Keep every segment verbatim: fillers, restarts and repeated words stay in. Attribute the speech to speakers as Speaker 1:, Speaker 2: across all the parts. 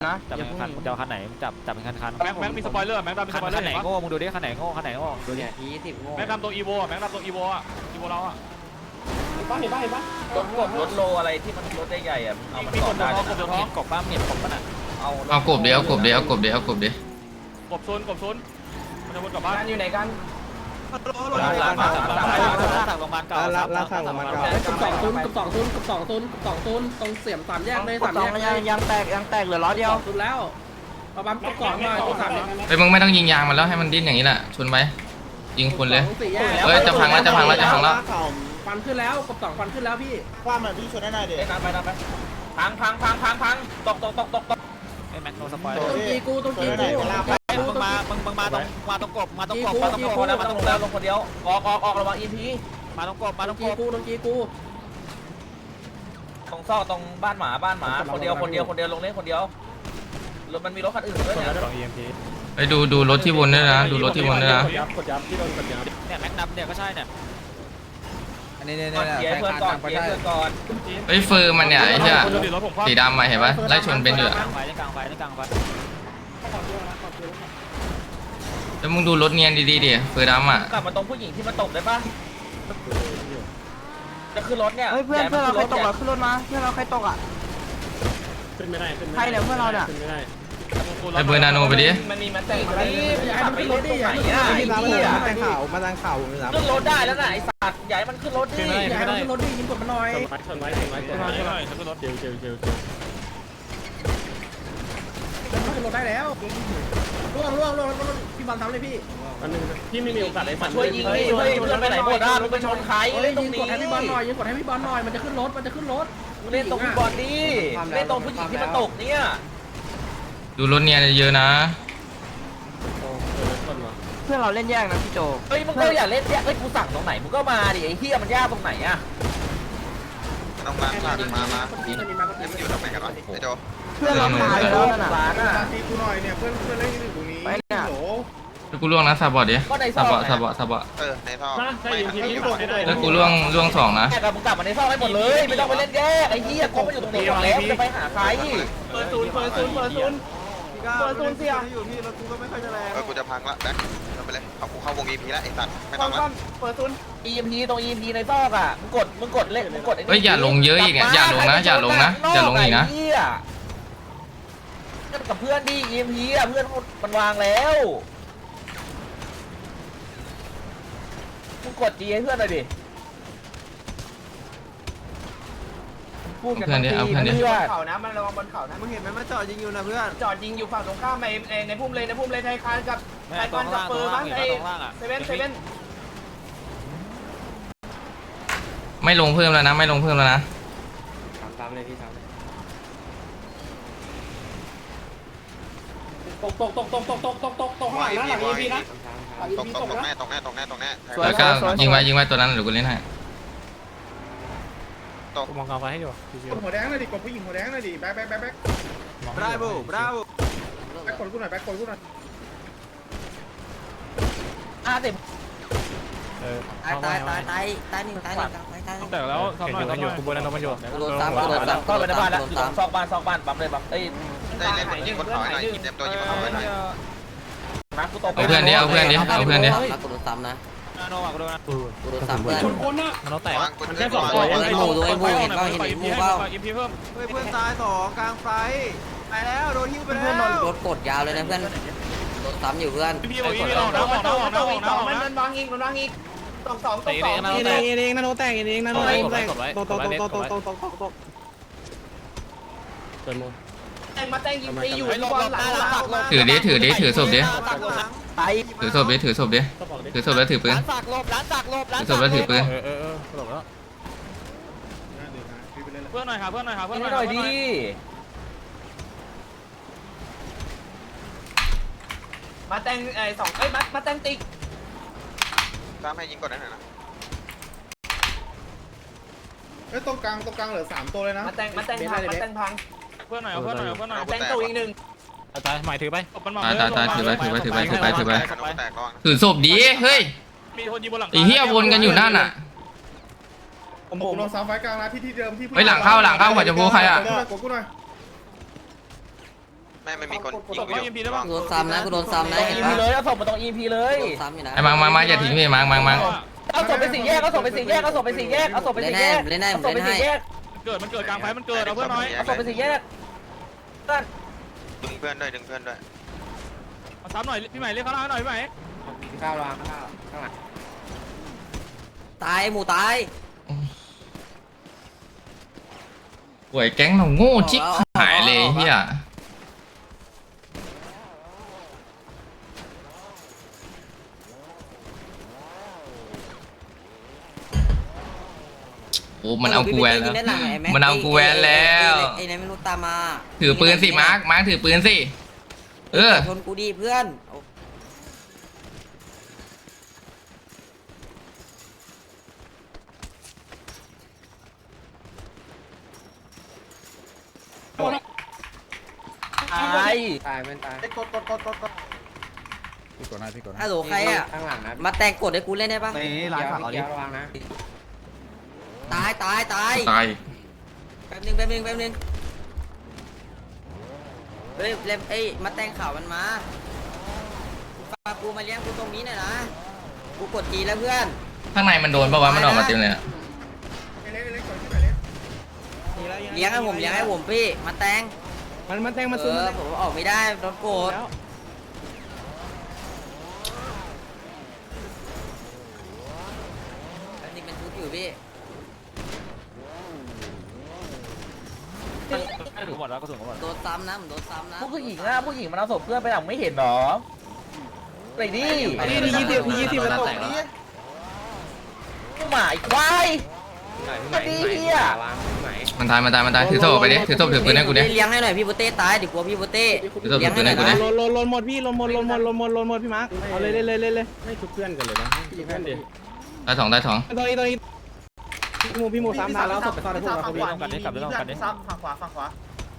Speaker 1: นะ
Speaker 2: จับเป็นคันมึงจะเอาคันไหนมึงจับจับเป็นคันคัน
Speaker 3: แม็กแม็กมีสปอยเลอร์แม็กดำมีสปอยเลอ
Speaker 2: คั
Speaker 3: ร์
Speaker 2: นไหนโง่มึงดูดิคันไหนโง่คันไหนโง่ดูดิ
Speaker 1: ทีสิบโง่
Speaker 3: แม็กดำตัวอีโวแม็กดำตัวอีโวอ่ะอีโวเราอ่ะ
Speaker 1: เห็นปะเห็นปะเห็นปะ
Speaker 4: รถกบรถโลอะไรที่มันรถใหญ่ๆอ่ะเอามัน
Speaker 3: มี
Speaker 4: ต่
Speaker 3: ก
Speaker 4: อบ ได้
Speaker 3: ตัวท้องกบตัวท้อง
Speaker 2: กบป้าเมียนกบป้าน่ะ
Speaker 4: เอา
Speaker 5: เอากบเดียวเอากบเดียวเอากบเดียวเอากบเดียว
Speaker 3: กบซุนกบซุนมันจะวนกลับบ้าน
Speaker 1: อยู่ไหนกัน
Speaker 2: ลากลากลากลากลากโรงพยาบาลเก่าลากลากลากโรงพยาบาลเก่า
Speaker 6: กับสองศูนย์กับสองศูนย์กับสองศูนย์กับสองศูนย์ตรงเสียมสามแยกเลย
Speaker 1: ก
Speaker 6: สา
Speaker 1: ด
Speaker 6: ม
Speaker 1: สอ
Speaker 6: แย
Speaker 1: ง
Speaker 6: ก
Speaker 1: ยังยังแตกยังแตกเหลือล้อเดียว
Speaker 6: ศูนย์แล้วเอาปั๊มกับสองหน่อยตัวสามแยก
Speaker 5: เฮ้ยมึงไม่ต้องยิงยางมันแล้วให้มันดิ้นอย่างนี้แหละชนไปยิงคนเลย
Speaker 6: สองสี่แยก
Speaker 5: เฮ้ยจะพังแล้วจะพังแล้วจะพังแล้ว
Speaker 6: ฟันขึ้นแล้วกับสองฟันขึ้นแล้วพี่
Speaker 1: ความแบบพี่ชนได้หน่อยเด็
Speaker 4: เอ้ยน้ำไปน้ำไปพังพังพังพังพังตกตกตกตกตก
Speaker 2: ไอ้แม็กโนสปอย
Speaker 6: ตรงจีกูตรงจีกู
Speaker 2: มึงมามึงมึงมาตรงมาตรงกบมาตรงกบ
Speaker 4: มา
Speaker 2: มา
Speaker 4: ต
Speaker 2: ต
Speaker 4: ร
Speaker 2: รง ง
Speaker 4: ค
Speaker 2: ก
Speaker 4: น
Speaker 2: บ
Speaker 4: แล้วมาตรงแล้วลงคนเดียวออกออกออกระวังอีพี
Speaker 2: มาตรงกบมา
Speaker 6: ต
Speaker 2: ต
Speaker 6: ร
Speaker 2: รง ง
Speaker 6: จี
Speaker 2: กบ
Speaker 6: กูตรงจีกู
Speaker 4: ตรงซอกตรงบ้านหมาบ้านหมาคนเดียวคนเดียวคนเดียวลงเล่นคนเดียวรถมันมีรถคันอื่นด้วยเนี่ย
Speaker 2: สอง อี เอ็ม พี
Speaker 5: ไปดูดูรถที่วนด้วยนะดูรถที่วนด้วยนะ
Speaker 2: เนี่ยแม็กนับเนี่ยก็ใช่เนี่ย
Speaker 1: อันนี้เนี่ย
Speaker 4: ก่อนเกียร์เพื่อนก่อนเกียร์เพื่อนก่อน
Speaker 5: เฮ้ยเฟอร์มันเนี่ยไอ้เหี้ย
Speaker 3: คนดูดิรถผมคว่ำ
Speaker 5: สีดำมาเห็นปะไล่ชนเป็นอยู่อะ
Speaker 2: กลางไฟในกลางไฟในกลางไฟ
Speaker 5: แล้วมึงดูรถเนียนดีๆดิเฟอร์ดำอ่ะ
Speaker 4: กลับมาตรงผู้หญิงที่มันตกได้ปะจะขึ้นรถเนี่ย
Speaker 1: เฮ้ยเพื่อนเพื่อนเราใครตกอ่ะขึ้นรถมาเพื่อนเราใครตกอ่ะ
Speaker 6: ขึ้นไม่ได้ขึ้น
Speaker 1: ใครเนี่ยเพื่อนเราเนี่ย
Speaker 6: ขึ้นไม่ได้
Speaker 5: ไอ้เบอร์นาโนไปดิ
Speaker 4: มันมีมันแต่งอะไรขับไปรถตรงไหนอ่ะไอ้
Speaker 1: มา
Speaker 4: เหี้ย
Speaker 1: ทางข่าวมาทางข่าวผมรับ
Speaker 4: ขึ้นรถได้แล้วนะไอ้สัตว์ใหญ่มันขึ้นรถดิ
Speaker 6: อย่าให้มันขึ้นรถดิยิงกดมันหน่อยชนไว้ชนไว้ชนไว้
Speaker 3: ช่วยหน่อยช่วยหน่อยช่วยรถ
Speaker 6: เจียวเจียวเจียวเจียวมันขึ้นรถได้แล้วล่วงล่วงล่วงล่วงพี่บอลทำเลยพี่อันนึงพี่ไม่มีโอกาสได้
Speaker 4: มาช่วยยิงดิเฮ้ยเพื่อนไปไหนหมดอ่ะมึงไปชนใคร
Speaker 6: เฮ้ย
Speaker 4: เล่นตร
Speaker 6: ยิ
Speaker 4: ง
Speaker 6: ง
Speaker 4: นี้
Speaker 6: กดให้พี่บอลหน่อยยิงกดให้พี่บอลหน่อยมันจะขึ้นรถมันจะขึ้นรถ
Speaker 4: เล่นตรงพี่บอลดิเล่นตรงผู้หญิงที่มันตกเนี่ย
Speaker 5: ดูรถเนียนเยอะๆนะ
Speaker 1: เพื่อนเราเล่นแยกนะพี่โจ
Speaker 4: เฮ้ยมึงก็อย่าเล่นเนี่ยเฮ้ยกูสั่งตรงไหนมึงก็มาดิไอ้เหี้ยมันยากตรงไหนอ่ะ
Speaker 7: ต้องล้างผ่านมามา
Speaker 6: นี่มันมีมาก็
Speaker 7: นี่มันอยู่ตรงไหนกันวะไอ้โจ
Speaker 1: เพื่อนเราตายแล้วนั่นน่ะ
Speaker 4: ร้านอ่ะ
Speaker 6: ตีกูหน่อยเนี่ยเพื่อนเพื่อนเล่นอยู่ตรงนี้
Speaker 1: ไปเนี่ย
Speaker 5: แล้วกูล่วงนะซาบอดดิ
Speaker 4: ก็ในซ
Speaker 5: ซา
Speaker 4: อก
Speaker 5: บอด
Speaker 4: ไง
Speaker 5: ซาบอดซาบอด
Speaker 7: เออ ในท่อไม่ครับ
Speaker 5: แล้วกูล่วงล่วงสองนะ
Speaker 4: แยกกับมึงกลับมาในซอกให้หมดเลยไม่ต้องไปเล่นแยกไอ้เหี้ยกบมันอยู่ตรงนี้หมดแล้วจะไปหาใคร
Speaker 1: เปิดศูนย์เปิดศูนย์เปิดศูนย์เปิดศูนย์เสียอยู่พี่รถกูก็ไม่ค่อยจะแรง
Speaker 7: เออ กูจะพังละแบ็คทำไปเลยเอากูเข้าวงอีพีแล้วไอ้สัตว์ไม่ต้องละ
Speaker 1: เปิดศูนย์
Speaker 4: อีพีตรงอีพีในซอกอ่ะมึงกดมึงกดเล่นมึงกด
Speaker 5: เฮ้ยอย่าลงเยอะอีกอ่ะอย่าลงนะอย่าลงนะอย่าลงอีกนะ
Speaker 4: เหี้ยเล่นกับเพื่อนดิอีพีอ่ะเพื่อนมันวางแล้วมึงกดจีให้เพื่อนหน่อยดิพูดกันทั้งทีเพื่อน
Speaker 1: เขานะมันระวังบนเขานะมึงเห็นไหมมันจอดยิงอยู่นะเพื่อนจอดยิงอยู่ฝั่งตรงข้ามในในพุ่มเลยในพุ่มเลยไทยคานกับ
Speaker 2: แม่ตรงล่างตรงล่างเห็นตรงล่างอ่ะ
Speaker 1: เซเว่นเซเว่น
Speaker 5: ไม่ลงเพิ่มแล้วนะไม่ลงเพิ่มแล้วนะ
Speaker 6: ตามตามเลยพี่ตามตกตกตกตกตกตกตกตกตกข้างหลังนะหลังอีพีนะหลังอี
Speaker 7: ตก
Speaker 6: พี
Speaker 7: ต
Speaker 6: ต
Speaker 7: ก
Speaker 6: ก
Speaker 7: ตก
Speaker 6: นะ
Speaker 7: แน่ตกแน่ตกแน่ตกแน่
Speaker 5: แล้วก็ยิงไว้ยิงไว้ตัวนั้นเดี๋ยวกูเล่นให้
Speaker 2: มองกลางไฟให้อยู่
Speaker 6: กดหัวแดงหน่อยดิกดผู้หญิงหัวแดงหน่อยดิแบ๊กแบ๊กแบ๊กแบ๊ก
Speaker 1: บราโวบราโว
Speaker 6: แบ๊กกดกูหน่อยแบ๊กกดกูหน่อย
Speaker 4: อ่ะเต็ม
Speaker 2: เออ
Speaker 1: ตายตายตายตายตายหนึ่งตายหนึ่งตายตาย
Speaker 3: แต่แล้วซ้อมหน่อยซ้อมหน่อย
Speaker 2: กูบนนั้นมันอยู่
Speaker 1: โดนซ้ำโดนซ้ำ
Speaker 4: ก็ไปในบ้านแล้วอยู่ตรงซอกบ้านซอกบ้านปั๊มเลยปั๊มเอ้ย
Speaker 7: ได้เล่นบนยิงบนเขาหน่อยยิงเต็มตัวยิงบนเขาหน่อย
Speaker 4: นักกูตก
Speaker 5: เอาเพื่อนดิเอาเพื่อนดิเอาเพื่อนดิ
Speaker 1: กูโดนซ้ำนะ
Speaker 2: นาโนอ่ะกูโดนนะ
Speaker 1: กูโดนซ้ำเพื่อน
Speaker 6: ชนคนน่ะ
Speaker 2: นาโนแตก
Speaker 7: วางกู
Speaker 3: มัน
Speaker 7: จะ
Speaker 3: แค่สอง
Speaker 7: วาง
Speaker 3: ตัว
Speaker 1: ไอ้หมูด้วยไอ้หมูเห็นเปล่าเห็นไอ้หมูเปล่า
Speaker 3: อีพีเพิ่ม
Speaker 1: เฮ้ยเพื่อนตายสองกลางไฟไปแล้วโดนหิ้วไปแล้วเพื่อนโดนรถกดยาวเลยนะเพื่อนโดนซ้ำอยู่เพื่อน
Speaker 3: อีพีบอกอีพีเราออกนะออกนะออกนะออกนะออกนะ
Speaker 1: มันวางอีกมันวางอีกตกสองต
Speaker 2: เตะ
Speaker 1: กสอง
Speaker 2: นาโนแตก
Speaker 1: เองนาโนแตกเองนาโน
Speaker 2: โต
Speaker 1: เอง
Speaker 2: โตโตโตโตโตโตโต
Speaker 6: เติมโม
Speaker 1: แต่งมาแต่งยิงไปอยู่ที่บอลหลังหลัง
Speaker 5: ถือดิถือดิถือศพดิ
Speaker 1: ไป
Speaker 5: ถือศพดิถือศพดิถือศพแล้วถือปืน
Speaker 2: ร้านสักลบร้านสักลบร้าน
Speaker 5: ถือศพแล้วถือปืน
Speaker 2: เออเออเออหลบแล้ว
Speaker 3: เพื่อนหน่อยค่ะเพื่อนหน่อยค่ะเพื่อนห
Speaker 4: ให้
Speaker 3: น่อย
Speaker 4: หน่อยดิ
Speaker 1: มาแต่งไอ้สองเอ้ยมามาแต่งติ๊ก
Speaker 7: ตามให้ยิงกดได้หน่อยนะ
Speaker 6: เอ้ยตรงกลางตรงกลางเหลือสามตัวเลยนะ
Speaker 1: มาแต่งมาแต่งพังมาแต่งพัง
Speaker 3: เพื่อนหน่อยเพื่อนหน่อยเพื่อนหน่อย
Speaker 1: แต่งตัวอีกหนึ่ง
Speaker 2: ตายหมายถือไป
Speaker 3: มันมา
Speaker 7: ขนมแตกระวัง
Speaker 5: ถือศพดิเฮ้ย
Speaker 3: มีคนยิงบนหลัง
Speaker 5: ไอ้เหี้ยวนกันอยู่นั่นน่ะ
Speaker 6: ผมผมลงซ้ำไฟกลางนะที่ที่เดิมที่
Speaker 5: เฮ้ยหลังเข้าหลังเข้าหัวจะพูใครอ่ะ
Speaker 6: กดกูหน่อย
Speaker 7: ไม่ไม่มีคนยิง
Speaker 3: ส่ง
Speaker 7: กู
Speaker 3: เข้า
Speaker 7: อ
Speaker 3: เอ็
Speaker 7: ยู่
Speaker 3: มพีได้ป่ะ
Speaker 1: กูโดนซ้ำนะกูโดนซ้ำนะเห็น
Speaker 4: อี
Speaker 1: ปะ
Speaker 4: พีเลยเอาศพมาตรงอีพีเลย
Speaker 1: โดนซ้ำอยู่นะ
Speaker 5: ไอ้มังมังมังอย่าทิ้งพี่มังมังมัง
Speaker 4: เอาศพไปสี่แยกเอาศพไปสี่แยกเอาศพไปสี่แยกเอาศพไปสี่แยก
Speaker 1: เล่นให้
Speaker 4: เอาศพไปสี่แยก
Speaker 3: เกิดมันเกิดกลางไฟมันเกิดเอาเพื่อนหน่อย
Speaker 4: เอาศพไปสี่แยก
Speaker 7: ดึงเพื่อนด้วยดึงเพื่อนด้วย
Speaker 3: เอาซ้ำหน่อยพี่ใหม่เรียกเขาหน่อยพี่ใหม่
Speaker 6: ข้าวรางข้าวข้างหลัง
Speaker 1: ตายหมูตาย
Speaker 5: ป่วยแก๊งเราโง่ชิบหายเลยเฮียโอ้มันเอากูแวนแล้วมันเอากูแวนแล้ว
Speaker 1: ไอ้ไหนไม่รู้ตามมา
Speaker 5: ถือปืนสิมาร์คมาร์คถือปืนสิเออ
Speaker 1: ชนกูดีเพื่อน
Speaker 4: ตาย
Speaker 6: ตายมันตาย
Speaker 2: กดกดกดกดกด
Speaker 1: ฮัลโหลใครอ่ะ
Speaker 6: ข้างหลังนะ
Speaker 1: มาแต่งกดให้กูเล่นได้ปะ
Speaker 2: นี่ร้านฝากเอาดิ
Speaker 6: เดี๋ยวระวังนะ
Speaker 1: ตายตายตาย
Speaker 5: ตาย
Speaker 1: แป๊บนึงแป๊บนึงแป๊บนึงเฮ้ยเล็บเอ้ยมาแต่งข่าวมันมาฝากกูมาเลี้ยงกูตรงนี้หน่อยนะกูกดจีแล้วเพื่อน
Speaker 5: ข้างในมันโดนปะวะมันออกมาเต็มเลยอะ
Speaker 1: เลี้ยงให้ผมเลี้ยงให้ผมพี่มาแต่ง
Speaker 6: มันมันแทงมา
Speaker 1: เอ
Speaker 6: ซุ่ม
Speaker 1: อผมออกไม่ได้โดนโกรธอันนี้เป็นชุดอยู่พี่
Speaker 3: ถูกหมดแล้วก็ถูกหมด
Speaker 1: โดนซ้ำนะผมโดนซ้ำนะ
Speaker 4: ผู้หญิงอะผู้หญิงมันเอาศพเพื่อนไปหลังไม่เห็นหรอไปดิ
Speaker 6: นี่นี่ยี่สิบนี่ยี่สิบแล้วตกนี่
Speaker 4: ผู้หมาไอ้ควายมาดีเฮีย
Speaker 6: วางไหน
Speaker 5: มันตายมันตายมันตายถือโซ่ไปดิถือโซ่ถือปืนให้กูดิ
Speaker 1: เลี้ยงให้หน่อยพี่โบเต้ตายเดี๋ยวกลัวพี่โบเต้
Speaker 5: ถือโซ่ถือปืนให้กูดิ
Speaker 6: ลนลนลนหมดพี่ลนหมดลนหมดลนหมดลนหมดพี่มาร์คเอาเลยเลยเลยเลยเลยไม่ชุบเพื่อนกันเลยนะชุบเพื่อนดิ
Speaker 5: ตายสองตายสอง
Speaker 6: ตรงนี้ตรงนี้พี่หมูพี่หมูสามทางแล้วศพไปซ่อนในพวกเรา
Speaker 3: กลับกันดิกลับกันกันดิ
Speaker 2: ซ้ำฝั่งขวาฝั่งขวา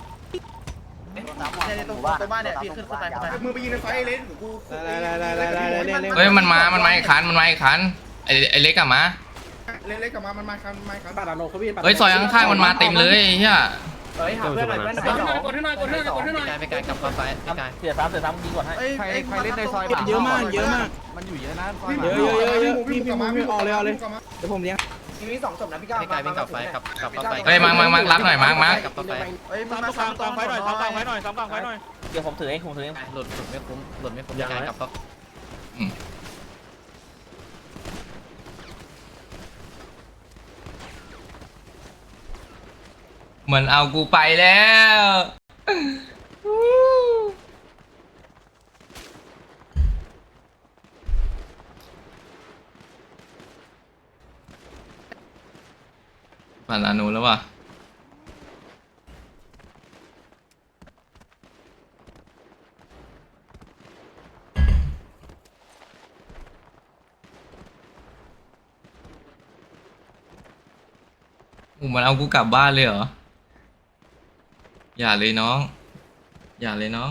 Speaker 2: เนี่ยตรงตรงบ้านเนี่ยพี่ขึ้นขึ้นไปขึ้นไปมือไปยิงในไฟเล่นกู
Speaker 6: ได้ได้ได้ได้ได้ได้ได้
Speaker 5: เฮ้ยมันมามันมาอีกคันมันมาอีกคันไอไอเล็กกลับมา
Speaker 2: เล่นเล่นกลับมามันมาคันมาคัน
Speaker 6: ปาดาโนเขาพี่
Speaker 5: เฮ้ยซอยข้างๆมันมาเต็มเลยไอ้เฮีย
Speaker 6: เฮ้ยหาเพื่อนหน่อยเพื่อนหน่อย
Speaker 2: กดให้หน่อยกดให้หน่อยกดให้หน่อย
Speaker 4: ไปไกลกลับเข้าไปไปไกลเสียซ้ำเสียซ้ำยิงก่อนให้
Speaker 2: ใครใครเล่นในซอย
Speaker 6: เยอะมากเยอะมาก
Speaker 2: มันอยู่เยอะนะ
Speaker 6: เยอะเยอะเยอะเยอะพี่พี่หมูพี่ออกเลยออกเลยเดี๋ยวผมเลี้ยง
Speaker 2: ทีนี้สองศพนะพี่ก้าว
Speaker 4: ไกลวิ่งกลับไปกลับกลับเข้าไป
Speaker 5: เฮ้ยมังมังมังรับหน่อยมังมัง
Speaker 4: กลับเข้าไป
Speaker 2: เฮ้ย
Speaker 3: ซ้ำกลางกลางไฟหน่อยซ้ำกลางไฟหน่อยซ้ำกลางไฟหน่อย
Speaker 4: เดี๋ยวผมถือเองผมถือเอง
Speaker 8: หลุดหลุดไม่คุ้มหลุดไม่คุ้มการกลับเข้า
Speaker 5: เหมือนเอากูไปแล้วผ่านลานูแล้วว่ะอู้มันเอากูกลับบ้านเลยเหรออย่าเลยน้องอย่าเลยน้อง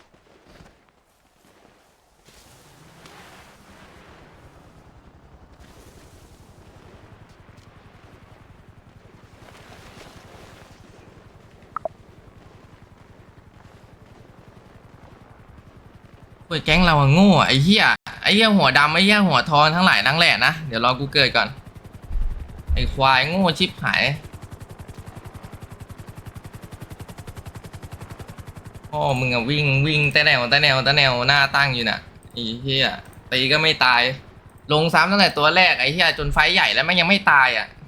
Speaker 5: เฮ้ยแก๊งเราอะโง่ไอ้เหี้ยไอ้เหี้ยหัวดำไอ้เหี้ยหัวทองทั้งหลายทั้งแหล่นะเดี๋ยวรอกูเกิดก่อนไอ้ควายโง่ชิบหายพ่อมึงอะวิ่งวิ่งแต่แนวแต่แนวแต่แนวหน้าตั้งอยู่น่ะไอ้เหี้ยตีก็ไม่ตายลงซ้ำตั้งแต่ตัวแรกไอ้เหี้ยจนไฟใหญ่แล้วแม่งยังไม่ตายอ่ะ